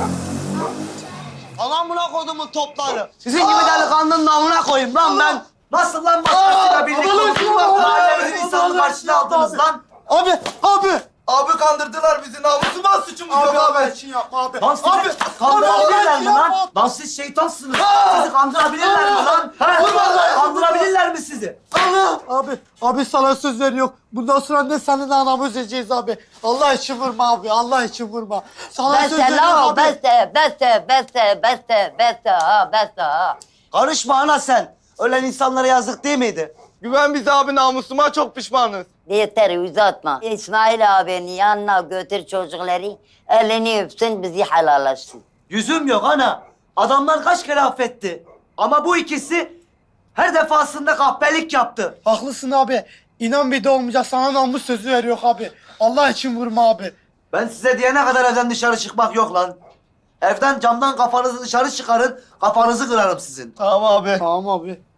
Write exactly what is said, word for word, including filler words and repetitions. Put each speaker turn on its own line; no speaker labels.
Alan buna kodumun topları. Sizin gibi delikanlının namına koyayım lan ben.
Nasıl lan başkasıyla birlikte oturup mahallemizin insanını karşına aldınız lan?
Abi, abi.
Abi kandırdılar bizi. Namusuma suçumuz
Abi,
yok
abi.
abi.
için yapma abi.
Lan sizi
Abi,
kandırabilirler mi
abi,
lan?
yapma.
Lan siz şeytansınız. Sizi kandırabilirler mi lan? Ha?
Vallahi-
Kandırabilirler mi sizi?
Abi, abi sana söz veriyor. Bundan sonra ne senin anamı üzeceğiz abi. Allah için vurma abi, Allah için vurma. Sana söz
Beste
veriyorum
la
abi.
beste, beste, beste, beste, beste ha, beste ha.
Karışma ana sen. Ölen insanlara yazık değil miydi?
Güven bize abi, namusuma çok pişmanız.
Yeter uzatma. İsmail abinin yanına götür çocukları. Elini öpsün bizi helallaşsın.
Yüzüm yok ana. Adamlar kaç kere affetti. Ama bu ikisi her defasında kahpelik yaptı.
Haklısın abi. İnan bir de olmayacak. Sana namus sözü veriyor abi. Allah için vurma abi.
Ben size diyene kadar evden dışarı çıkmak yok lan. Evden camdan kafanızı dışarı çıkarın, kafanızı kırarım sizin.
Tamam abi.
Tamam abi.